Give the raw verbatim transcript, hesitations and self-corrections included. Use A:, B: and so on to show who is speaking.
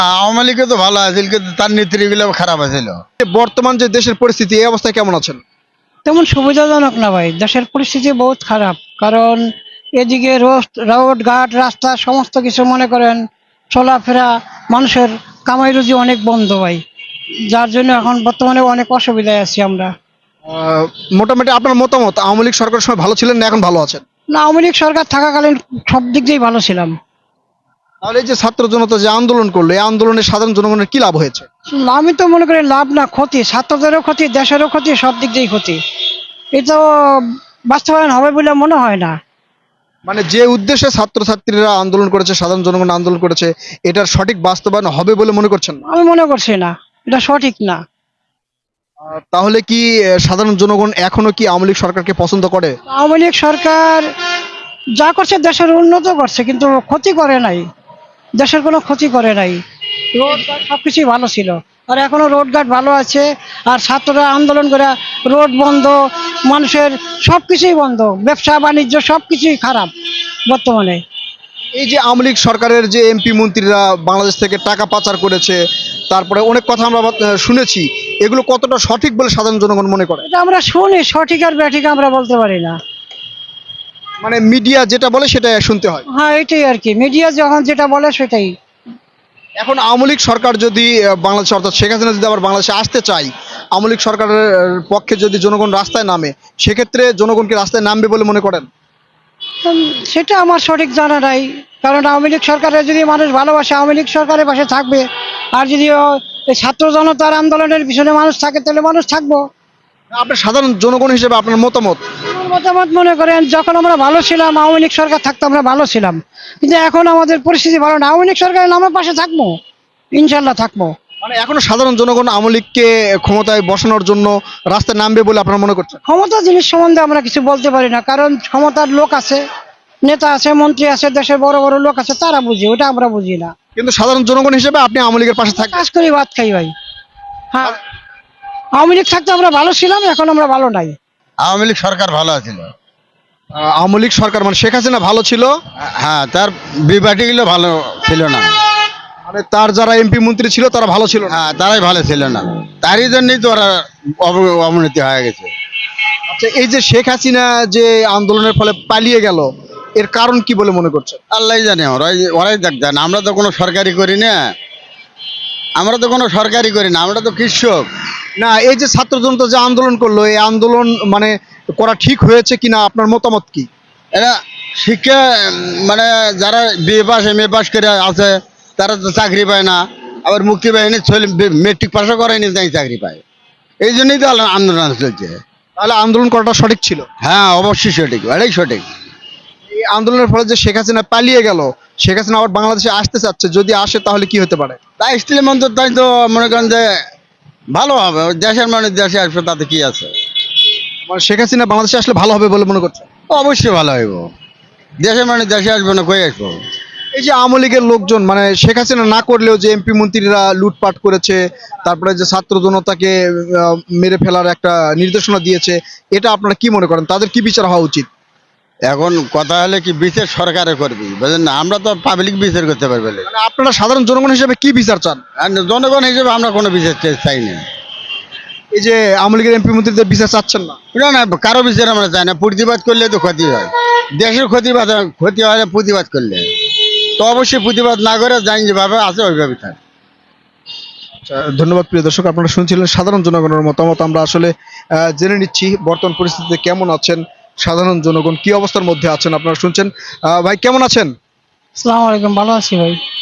A: আওয়ামী লীগে তো ভালো আছিল, কিন্তু তার নীতিগুলো খারাপ আছিল।
B: বর্তমান যে দেশের পরিস্থিতি, এই অবস্থায় কেমন আছেন?
C: তেমন সুবিধাজনক না ভাই, দেশের পরিস্থিতি বহুত খারাপ। কারণ এদিকে রোড রোড ঘাট রাস্তা সমস্ত কিছু মনে করেন চলাফেরা, মানুষের কামাই রুজি অনেক বন্ধ ভাই, যার জন্য এখন বর্তমানে অনেক অসুবিধায় আছি আমরা।
B: আহ, মোটামুটি আপনার মতামত, আওয়ামী লীগ সরকারের সময় ভালো ছিলেন না এখন ভালো আছেন?
C: না, আওয়ামী লীগ সরকার থাকাকালীন সব দিক দিয়েই ভালো ছিলাম।
B: তাহলে এই যে ছাত্র জনতা যে আন্দোলন করলো, এই আন্দোলনে সাধারণ জনগণের কি লাভ হয়েছে?
C: আমি তো মনে করি লাভ না ক্ষতি, ছাত্রদেরও ক্ষতি, দেশেরও ক্ষতি, সব দিক দিয়েই ক্ষতি। এটা বাস্তবায়ন হবে বলে মনে হয় না।
B: মানে যে উদ্দেশ্যে ছাত্রছাত্রীরা আন্দোলন করেছে, সাধারণ জনগণ আন্দোলন করেছে, এটার সঠিক বাস্তবায়ন হবে বলে মনে করছেন না?
C: আমি মনে করছি না, এটা সঠিক না।
B: আহ, তাহলে কি আহ, সাধারণ জনগণ এখনো কি আওয়ামী লীগ সরকারকে পছন্দ করে?
C: আওয়ামী লীগ সরকার যা করছে দেশের উন্নত করছে, কিন্তু ক্ষতি করে নাই, দেশের কোনো ক্ষতি করে নাই। রোডঘাট সবকিছুই ভালো ছিল, আর এখনো রোডঘাট ভালো আছে। আর ছাত্ররা আন্দোলন করে রোড বন্ধ, মানুষের সবকিছুই বন্ধ, ব্যবসা বাণিজ্য সবকিছুই খারাপ বর্তমানে।
B: এই যে আওয়ামী লীগ সরকারের যে এমপি মন্ত্রীরা বাংলাদেশ থেকে টাকা পাচার করেছে, তারপরে অনেক কথা আমরা আহ, শুনেছি, এগুলো কতটা সঠিক বলে সাধারণ জনগণ মনে করে?
C: এটা আমরা শুনি, সঠিক আর ব্যাঠিক আমরা বলতে পারি না।
B: মানে মিডিয়া যেটা বলে সেটা শুনতে হয়।
C: হ্যাঁ, এটাই আর কি, মিডিয়া যখন যেটা বলে সেটাই।
B: এখন আওয়ামী লীগ সরকার যদি আহ, বাংলাদেশে, অর্থাৎ শেখ হাসিনা যদি আবার বাংলাদেশে আসতে চায়, আওয়ামী লীগ সরকারের আহ, পক্ষে যদি জনগণ রাস্তায় নামে, সেক্ষেত্রে জনগণ কি রাস্তায় নামবে বলে মনে করেন?
C: উম, সেটা আমার সঠিক জানা নাই। কারণ আওয়ামী লীগ সরকারের যদি মানুষ ভালোবাসে, আওয়ামী লীগ সরকারের পাশে থাকবে। আর যদি ও এই ছাত্র জনতার আন্দোলনের পিছনে মানুষ থাকে, তাহলে মানুষ থাকবো।
B: আপনার সাধারণ জনগণ হিসেবে আপনার মতামত?
C: আমার মতামত, মনে করেন যখন আমরা ভালো ছিলাম, আওয়ামী লীগ সরকার থাকতো আমরা ভালো ছিলাম, কিন্তু এখন আমাদের পরিস্থিতি ভালো না। আওয়ামী লীগ সরকারের নামের পাশে থাকবো, ইনশাল্লাহ থাকবো।
B: মানে এখনো সাধারণ জনগণ আওয়ামী লীগকে ক্ষমতায় বসানোর জন্য রাস্তায় নামবে বলে আপনারা মনে করছেন?
C: ক্ষমতা জিনিস সম্বন্ধে আমরা কিছু বলতে পারি না, কারণ ক্ষমতার লোক আছে, নেতা আছে, মন্ত্রী আছে, দেশের বড় বড় লোক আছে, তারা বুঝে, ওটা আমরা বুঝি না।
B: কিন্তু সাধারণ জনগণ হিসেবে আপনি আওয়ামী লীগের পাশে থাকবেন?
C: কাজ করি, ভাত খাই ভাই। হ্যাঁ, আওয়ামী লীগ থাকতে আমরা ভালো ছিলাম, এখন আমরা ভালো নাই।
A: আওয়ামী লীগ সরকার ভালো ছিল।
B: আহ, আওয়ামী লীগ সরকার মানে শেখ হাসিনা ভালো ছিল,
A: হ্যাঁ, তার বিপাটিগুলো ভালো ছিল না।
B: মানে তার যারা এমপি মন্ত্রী ছিল তারা ভালো ছিল না।
A: হ্যাঁ, তারাই ভালো ছিল না, তারই জন্যই তো ওরা অব- অবনতি হয়ে গেছে।
B: আচ্ছা, এই যে শেখ হাসিনা যে আন্দোলনের ফলে পালিয়ে গেল, এর কারণ কি বলে মনে করছেন?
A: আল্লাহ জানে, ওরাই ওরাই দেখতেন। আমরা তো কোনো সরকারি করি না, আমরা তো কোনো সরকারি করি না, আমরা তো কৃষক।
B: না, এই যে ছাত্র জনতা যে আন্দোলন করলো, এই আন্দোলন মানে করা ঠিক হয়েছে কিনা, আপনার মতামত কি?
A: এরা শিক্ষা উম, মানে যারা BA pass M A pass করে আছে, তারা তো চাকরি পায় না। আবার মুক্তি বাহিনী মেট্রিক পাশও করেনি, তাই চাকরি পায়। এই জন্যই তো আলো- আন্দোলন চলছে।
B: তাহলে আন্দোলন করাটা সঠিক ছিল?
A: হ্যাঁ, অবশ্যই সঠিক, এটাই সঠিক।
B: এই আন্দোলনের ফলে যে শেখ হাসিনা পালিয়ে গেল, শেখ হাসিনা আবার বাংলাদেশে আসতে চাচ্ছে, যদি আসে তাহলে কি হতে পারে?
A: তাই স্ত্রী মন্ত্র, তাই তো মনে করেন যে ভালো হবে, ওই দেশের মানুষ দেশে আসবে, তাতে কি আছে।
B: মানে শেখ হাসিনা বাংলাদেশে আসলে ভালো হবে বলে মনে করছে?
A: অবশ্যই ভালো হইব, দেশের মানুষ দেশে আসবে না, কই আসবো।
B: এই যে আওয়ামী লীগের লোকজন, মানে শেখ হাসিনা না করলেও যে এমপি মন্ত্রীরা লুটপাট করেছে, তারপরে যে ছাত্র জনতাকে আহ, মেরে ফেলার একটা নির্দেশনা দিয়েছে, এটা আপনারা কি মনে করেন, তাদের কি বিচার হওয়া উচিত?
A: এখন কথা হলে কি বিচার সরকারে করবি, বুঝলেন না, আমরা তো পাবলিক বিচার করতে পারবে না।
B: মানে আপনারা সাধারণ জনগণ হিসেবে কি বিচার চান?
A: আর জনগণ হিসেবে আমরা কোনো বিচার চাই- চাই না।
B: এই যে আওয়ামী লীগের এমপি মন্ত্রীদের বিচার চাচ্ছেন না?
A: না না, কারো বিচার আমরা চাই না। প্রতিবাদ করলে তো ক্ষতি হয়, দেশের ক্ষতিবাদ ক্ষতি হয় না প্রতিবাদ করলে। তো অবশ্যই প্রতিবাদ না করে জানি যেভাবে আছে ওইভাবে থাক।
B: আচ্ছা, ধন্যবাদ প্রিয় দর্শক, আপনারা শুনছিলেন সাধারণ জনগণের মতামত। আমরা আসলে আহ, জেনে নিচ্ছি বর্তমান পরিস্থিতিতে কেমন আছেন সাধারণ জনগণ, কি অবস্থার মধ্যে আছেন আপনারা শুনছেন। আহ, ভাই কেমন আছেন?
C: আসসালামু আলাইকুম, ভালো আছি ভাই।